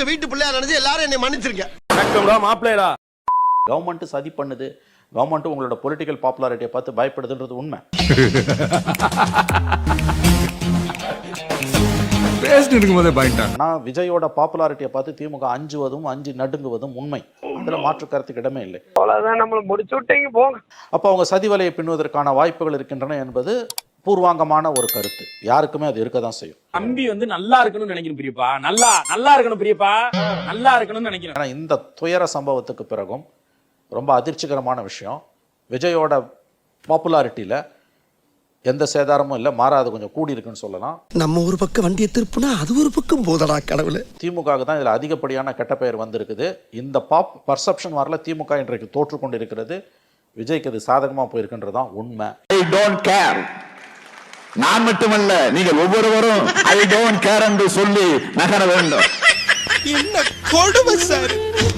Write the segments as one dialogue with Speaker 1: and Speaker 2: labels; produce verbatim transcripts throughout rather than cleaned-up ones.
Speaker 1: உங்க வீட்டு பிள்ளையா நினைச்சு எல்லாரும் என்னை மன்னிச்சிருங்க.
Speaker 2: மாப்பிள்ளைடா
Speaker 3: கவர்மெண்ட் சதி பண்ணுது, கவர்மெண்ட் உங்களோட பொலிட்டிக்கல் பாப்புலாரிட்டியை பார்த்து பயப்படுதுன்றது உண்மை. நான் விஜயோட பாப்புலாரிட்டியை பார்த்து திமுக அஞ்சுவதும் அஞ்சு நடுங்குவதும் உண்மை. அதுல மாற்று கருத்துக்கு இடமே இல்லை. அப்ப அவங்க சதி வலையை பின்னுவதற்கான வாய்ப்புகள் இருக்கின்றன என்பது பூர்வாங்கமான ஒரு கருத்து. யாருக்குமே அது இருக்கதான் செய்யும்.
Speaker 2: தம்பி வந்து நல்லா இருக்கணும்னு நினைக்கணும் பிரியப்பா, நல்லா நல்லா இருக்கணும் பிரியப்பா, நல்லா இருக்கணும்னு நினைக்கிறேன்.
Speaker 3: இந்த துயர சம்பவத்துக்கு பிறகும் ரொம்ப அதிர்ச்சிகரமான விஷயம், விஜயோட பாப்புலாரிட்டியில எந்த சேதாரமும் இல்லை, மாறாது கொஞ்சம் கூடி இருக்குன்னு சொல்லலாம்.
Speaker 1: நம்ம ஒரு பக்கம் வண்டியை திருப்புனா அது ஒரு பக்கம் போதடா கடவுளே.
Speaker 3: திமுக தான் இதுல அதிகப்படியான கெட்ட பெயர் வந்திருக்குது. இந்த பாப் பர்செப்ஷன் வரல திமுக இன்றைக்கு தோற்று கொண்டு இருக்கிறது. விஜய்க்கு அது சாதகமா போயிருக்குன்றதான் உண்மை.
Speaker 4: I don't care. நான் மட்டுமல்ல, நீங்கள் ஒவ்வொருவரும் ஐ டோன்ட் கேர் என்று சொல்லி நகர வேண்டும்.
Speaker 1: என்ன கொடுமை சார்.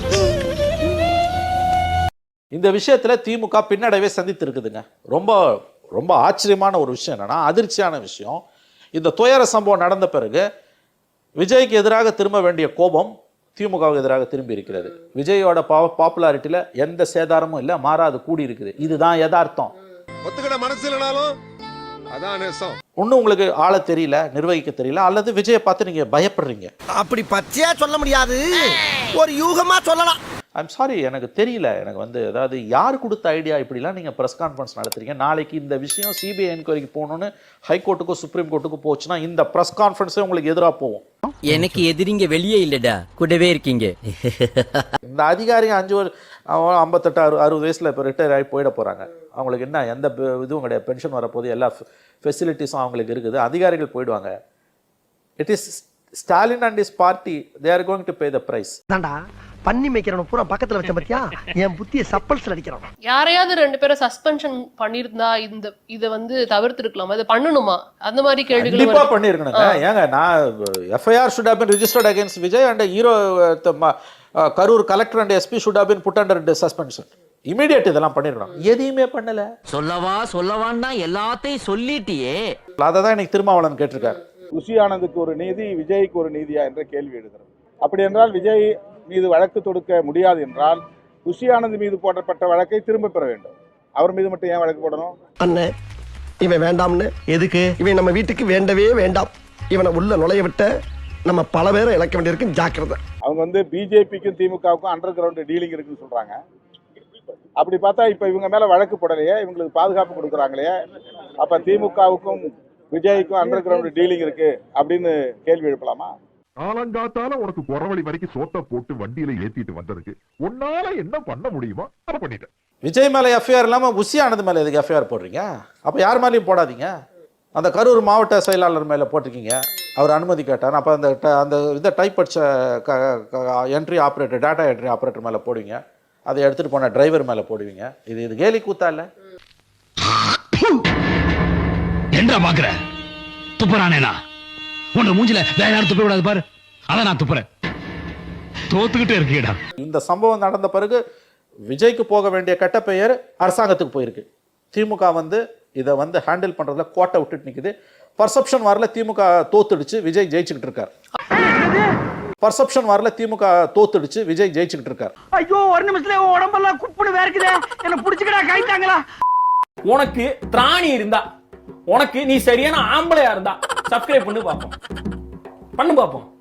Speaker 3: இந்த விஷயத்துல திமுக பின்னடைவை சந்தித்து இருக்குதுங்க. ரொம்ப ரொம்ப ஆச்சரியமான ஒரு விஷயம் என்னன்னா, அதிர்ச்சியான விஷயம், இந்த துயர சம்பவம் நடந்த பிறகு விஜய்க்கு எதிராக திரும்ப வேண்டிய கோபம் திமுகவுக்கு எதிராக திரும்பி இருக்கிறது. விஜயோட பாப்புலாரிட்டியில எந்த சேதாரமும் இல்லை, மாறாது கூடி இருக்குது. இதுதான் யதார்த்தம்.
Speaker 1: ஒத்துக்கிட மனசு இல்லைனாலும் அதான் நேசம்.
Speaker 3: ஒன்னும் உங்களுக்கு ஆள தெரியல, நிர்வகிக்க தெரியல, அல்லது விஜயை பார்த்து நீங்க பயப்படுறீங்க.
Speaker 1: அப்படி பச்சையா சொல்ல முடியாது, ஒரு யூகமா சொல்லலாம்.
Speaker 3: ஐம் சாரி, எனக்கு தெரியல. எனக்கு வந்து அதாவது யார் கொடுத்த ஐடியா இப்படிலாம் நீங்கள் ப்ரெஸ் கான்ஃபரன்ஸ் நடத்துறீங்க. நாளைக்கு இந்த விஷயம் சிபிஐ என்கொயரிக்கு போகணுன்னு ஹைகோர்ட்டுக்கும் சுப்ரீம் கோர்ட்டுக்கும் போச்சுன்னா இந்த ப்ரெஸ் கான்ஃபரன்ஸே உங்களுக்கு எதிராக போகும்.
Speaker 5: எனக்கு எதிரிங்க வெளியே இல்லடா, கூடவே இருக்கீங்க.
Speaker 3: இந்த அதிகாரிங்க அஞ்சு ஐம்பத்தெட்டு அறு அறுபது வயசில் இப்போ ரிட்டையர் ஆகி போயிட போகிறாங்க. அவங்களுக்கு என்ன எந்த இதுவும் கிடையாது, பென்ஷன் வரப்போது, எல்லா ஃபெசிலிட்டிஸும் அவங்களுக்கு இருக்குது. அதிகாரிகள் போயிடுவாங்க. It is Stalin and is party, they are going to pay the price.
Speaker 1: பண்ணி மேய்க்கிறவன பூரா பக்கத்துல வச்ச பத்தியா, என் புத்திய சப்பல்ஸ்ல அடிக்கிறான்.
Speaker 6: யாரையாவது ரெண்டு பேரை சஸ்பென்ஷன் பண்ணிருந்தா இந்த இத வந்து தவிர்த்திருக்கலாம், அது பண்ணணுமா? அந்த மாதிரி கேள்விகள்
Speaker 3: கண்டிப்பா பண்ணிருக்கணுங்க. ஏங்க, நான் FIR should have been registered against Vijay and hero Karur collector and SP should have been put under suspension. Immediate இதெல்லாம் பண்ணிருக்கணும். எதையுமே பண்ணல.
Speaker 5: சொல்லவா சொல்லவான்னா எல்லாத்தையும் சொல்லிட்டியே.
Speaker 3: அததான் இன்னைக்கு திருமாவளவன் கேட்டிருக்காரு.
Speaker 7: குஷி ஆனந்துக்கு ஒரு நீதி, விஜய்க்கு ஒரு நீதியா என்ற கேள்வி எழுதுறது. அப்படி என்றால் விஜய் மீது வழக்கு தொடுக்க முடியாது என்றால் குஷி ஆனந்த் மீது போடப்பட்ட வழக்கை திரும்ப பெற வேண்டும். அவர் மீது மட்டும் ஏன் வழக்கு போடணும்?
Speaker 1: அண்ணே, இவன் வேண்டாம்னு. எதுக்கு? இவன் நம்ம வீட்டுக்கு வேண்டவே வேண்டாம். இவனை உள்ள நுழைய விட்ட நம்ம பல பேரை இழக்க வேண்டியிருக்கு, ஜாக்கிரதை.
Speaker 7: அவங்க வந்து பிஜேபிக்கும் திமுகவுக்கும் அண்டர் கிரவுண்ட் டீலிங் இருக்குன்னு சொல்றாங்க. அப்படி பார்த்தா இப்ப இவங்க மேல வழக்கு போடலையே, இவங்களுக்கு பாதுகாப்பு கொடுக்குறாங்களே, அப்ப திமுகவுக்கும் விஜய்க்கும் அண்டர் கிரவுண்ட் டீலிங் இருக்கு அப்படின்னு கேள்வி எழுப்பலாமா?
Speaker 8: காலங்காத்தால உனக்கு குறவழி வரைக்கும் சோத்த போட்டு வண்டியில ஏத்திட்டு வந்ததுக்கு உன்னால என்ன பண்ண முடியுமோ அதை பண்ணிட்டேன்.
Speaker 3: விஜய் மேல எஃப்ஐஆர் இல்லாம குஷி ஆனந்த் மேல எதுக்கு எஃப்ஐஆர் போடுறீங்க? அப்ப யார் மேலேயும் போடாதீங்க. அந்த கரூர் மாவட்ட செயலாளர் மேல போட்டிருக்கீங்க, அவர் அனுமதி கேட்டார். அப்ப அந்த அந்த இதை டைப் அடிச்ச entry operator, data entry operator மேல போடுவீங்க, அதை எடுத்துட்டு போன டிரைவர் மேல போடுவீங்க. இது இது கேலி கூத்தா இல்ல?
Speaker 9: என்ன பாக்குற? துப்புறானேனா உன்ன மூஞ்சில வேற யாரும் துப்ப விடாது பாரு, அதான் நான் துப்புறேன். தோத்துக்கிட்டே இருக்கீடா.
Speaker 3: இந்த சம்பவம் நடந்த பிறகு விஜய்க்கு போக வேண்டிய கெட்ட பெயர் அரசாங்கத்துக்கு போயிருக்கு. திமுக வந்து இதை வந்து ஹேண்டில் பண்றதுல கோட்டை விட்டுட்டு நிக்குது. பர்செப்ஷன் வரல திமுக தோத்துடுச்சு, விஜய் ஜெயிச்சுக்கிட்டு இருக்கார். பர்செப்ஷன் வரல திமுக தோத்துடுச்சு, விஜய் ஜெயிச்சுக்கிட்டு இருக்கார்.
Speaker 2: ஐயோ, ஒரு நிமிஷத்துல உடம்பெல்லாம் குப்புன்னு வேர்க்குதே, என்ன புடிச்சுக்கடா கைத்தாங்களா. உனக்கு திராணி இருந்தா, உனக்கு நீ சரியான ஆம்பளையா இருந்தா சப்ஸ்கிரைப் பண்ணி பாப்போம், பண்ணு பாப்போம்.